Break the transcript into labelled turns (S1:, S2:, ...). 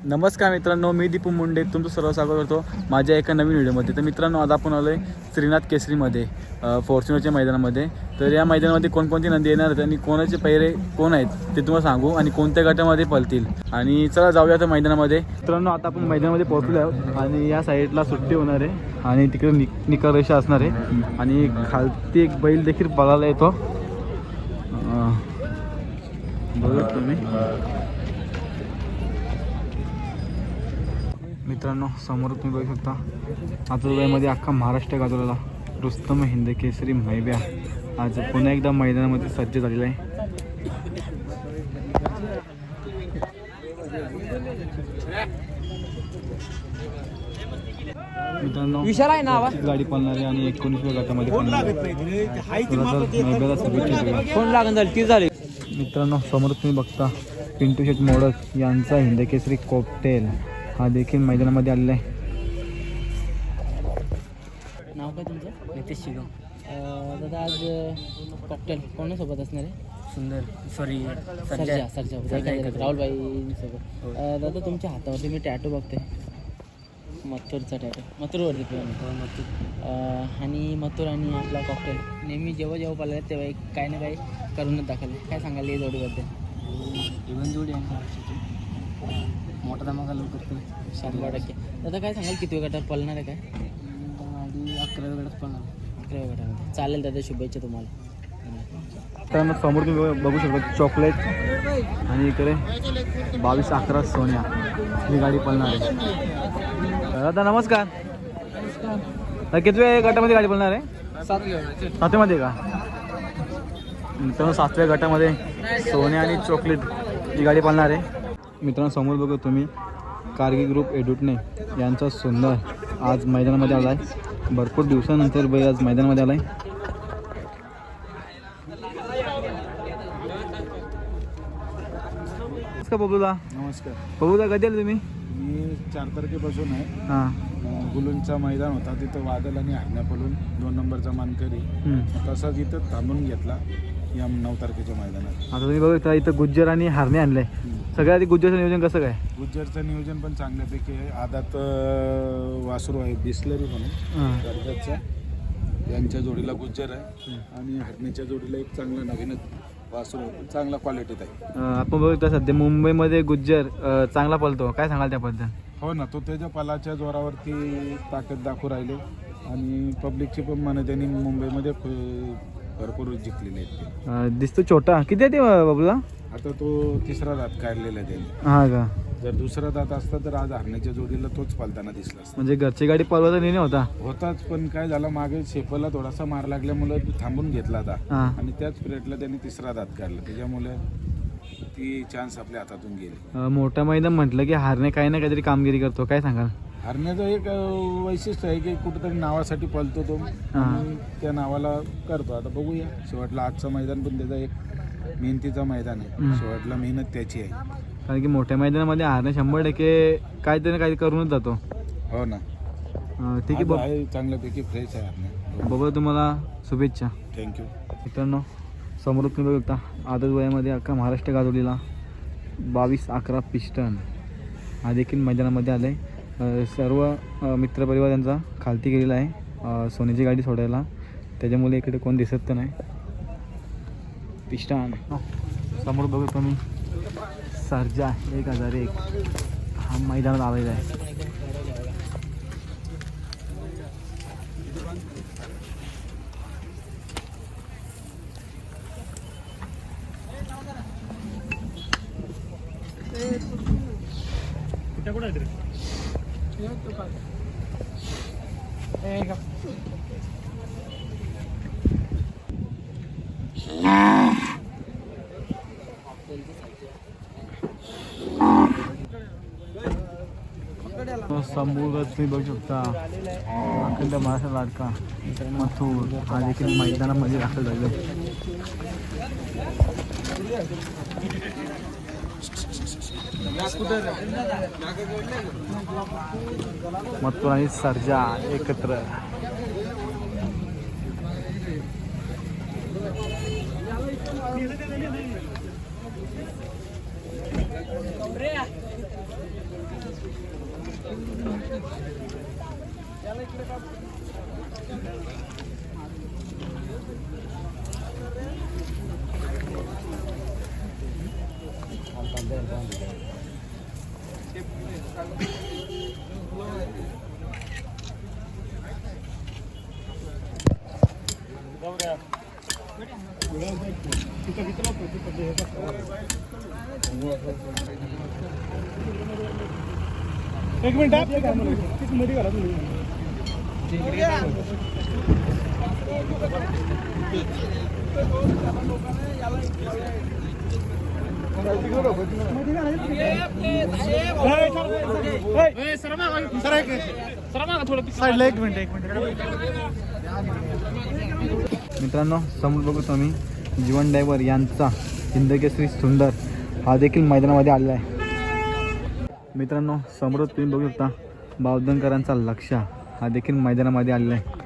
S1: नमस्कार मित्रांनो, मी दीपू मुंडे तुमचं सर्व स्वागत करतो माझ्या एका नवीन व्हिडिओमध्ये. तर मित्रांनो, आज आपण आलो आहे श्रीनाथ केसरीमध्ये फॉर्च्युनरच्या मैदानामध्ये. तर या मैदानामध्ये कोणकोणती नंदी येणार आहेत आणि कोणाचे पैरे कोण आहेत ते तुम्हाला सांगू आणि कोणत्या गटामध्ये पळतील. आणि चला जाऊया तर मैदानामध्ये. मित्रांनो, आता आपण मैदानामध्ये पोहोचलो आहोत आणि या साईडला सुट्टी होणार आहे आणि तिकडे निकाल रेषा असणार आहे आणि खालती एक बैल देखील पळायला येतो. बघा तुम्ही मित्रांनो, समोर तुम्ही बघू शकता आजूबाजूमध्ये अख्खा महाराष्ट्र गाजवलेला रुस्तम हिंद केसरी मैब्या आज पुन्हा एकदा मैदानामध्ये सज्ज झालेला आहे. मित्रांनो, गाडी पळणार आहे आणि 19व्या गटामध्ये मित्रांनो, समोर तुम्ही बघता पिंटू शेट मोडक यांचा हिंद केसरी कॉकटेल हा देखील मैदानामध्ये आलेला आहे.
S2: नाव काय तुमचं? नितेश शिगम. दादा, आज कॉकटेल कोणासोबत असणार आहे?
S3: सुंदर सॉरी
S2: राहुलबाईंसोबत. दादा, तुमच्या हातावरती मी टॅटू बघते, मथुरचा टॅटू. मथुरवरती आणि मथुर आणि आपला कॉकटेल नेहमी जेव्हा पाहिलं तेव्हा एक काही ना काही करूनच दाखवले. काय सांगाल या जोडीबद्दल?
S3: इव्हन जोडी आहे महाराष्ट्राची, मोठा धमाका लवकर करतो
S2: 100%. दादा, काय सांगाल किती गटात पळणार आहे? काय
S3: गाडी 11व्या गटात पळणार.
S2: 11व्या गटामध्ये. चालेल दादा, शुभेच्छा तुम्हाला.
S1: तर समोर तुम्ही बघू शकता चॉकलेट आणि इकडे 22-11 सोन्या ही गाडी पळणार आहे. दादा नमस्कार. कितव्या गटामध्ये गाडी पळणार आहे? 7व्यामध्ये का? मित्रांनो, 7व्या गटामध्ये सोन्या आणि चॉकलेट ही गाडी पळणार आहे. मित्रांनो, समोर बघू तुम्ही कारगी ग्रुप एडुटणे यांचा सुंदर आज मैदानामध्ये आला आहे. भरपूर दिवसानंतर बैल आज मैदानामध्ये आला आहे. नमस्कार बबलूदा.
S4: नमस्कार
S1: बबलूदा, कधी आले तुम्ही?
S4: मी 4 तारखेपासून आहे.
S1: हां.
S4: गुलूंचा मैदान होता, तिथं वादल आणि हरण्यापालून 2 नंबरचा मानकरी तसाच इथं थांबून घेतला या 9 तारखेच्या मैदानात.
S1: आता तुम्ही बघू इथं गुज्जर आणि हारणे आणले. सगळ्यात आधी गुज्जरचं नियोजन कसं काय?
S4: गुज्जरचं नियोजन पण चांगल्यापैकी आहे. आदात वासरू आहे बिस्लरी म्हणून कर्जतचा, यांच्या जोडीला गुज्जर आहे आणि हरण्याच्या जोडीला एक चांगला नवीनच वासरू आहे, चांगला क्वालिटीत आहे.
S1: आपण बघतो सध्या मुंबईमध्ये गुज्जर चांगला पळतो, काय सांगाल त्याबद्दल?
S4: हो ना, तो त्याच्या पलाच्या जोरावरती ताकद दाखवू राहिले आणि पब्लिकची पण मनं त्यांनी मुंबईमध्ये भरपूर जिंकलेले आहेत.
S1: दिसतो छोटा. किती आहे ते बाबूला?
S4: आता तो 3रा दात काढलेला आहे त्यांनी.
S1: हा का?
S4: जर 2रा दात असता तर आज हरण्याच्या जोडीला तोच पालताना दिसला असता.
S1: म्हणजे घरची गाडी पळवायचा निर्णय
S4: होताच, पण काय झालं मागे शेपला थोडासा मार लागल्यामुळे थांबून घेतला होता आणि त्याच पिरियडला त्यांनी 3रा दात काढला, त्याच्यामुळे ती चान्स आपल्या हातातून गेली.
S1: मोठा मैदान म्हटलं की हारणे काही ना काहीतरी कामगिरी करतो, काय सांगाल?
S4: हरण्याचं एक वैशिष्ट्य आहे की कुठेतरी नावासाठी पळतो तो आणि त्या नावाला करतो. आता बघूया, शेवटला आजचं मैदान पण त्याचा एक मेहनतीचा मैदान आहे. शेवटला मेहनत त्याची आहे,
S1: कारण की मोठ्या मैदानामध्ये हारणे 100% काहीतरी ना काही करूनच जातो.
S4: हो ना.
S1: ठीक आहे,
S4: चांगल्यापैकी फ्रेश आहे हरणे.
S1: बघा, तुम्हाला शुभेच्छा.
S4: थँक्यू.
S1: मित्रांनो, समोर तुम्ही बघू शकता आदत वयामध्ये अख्खा महाराष्ट्र गाजवलेला 22-11 पिस्टन हा देखील मैदानामध्ये आला आहे. सर्व मित्रपरिवार त्यांचा खालती गेलेला आहे सोन्याची गाडी सोडायला, त्याच्यामुळे इकडे कोण दिसत तर नाही. पिस्टन समोर बघू तुम्ही सर्जा 1001 हा मैदानात आलेला आहे. समोर तुम्ही बघू शकता अखंड महाराष्ट्र लाडका मथुर हा देखील मैदानामध्ये दाखल झाला. मथुर आणि सर्जा एकत्र. एक मिनिट मध्ये घाला तुम्ही. साईडला एक मिनिट मित्रांनो, समोर बघू तुम्ही जीवन ड्रायव्हर यांचा हिंदकेसरी सुंदर हा देखील मैदानामध्ये आलेला आहे. मित्रांनो, समोर तुम्ही बघू शकता बावधनकरांचा लक्ष हा देखील मैदानामध्ये आलेला आहे.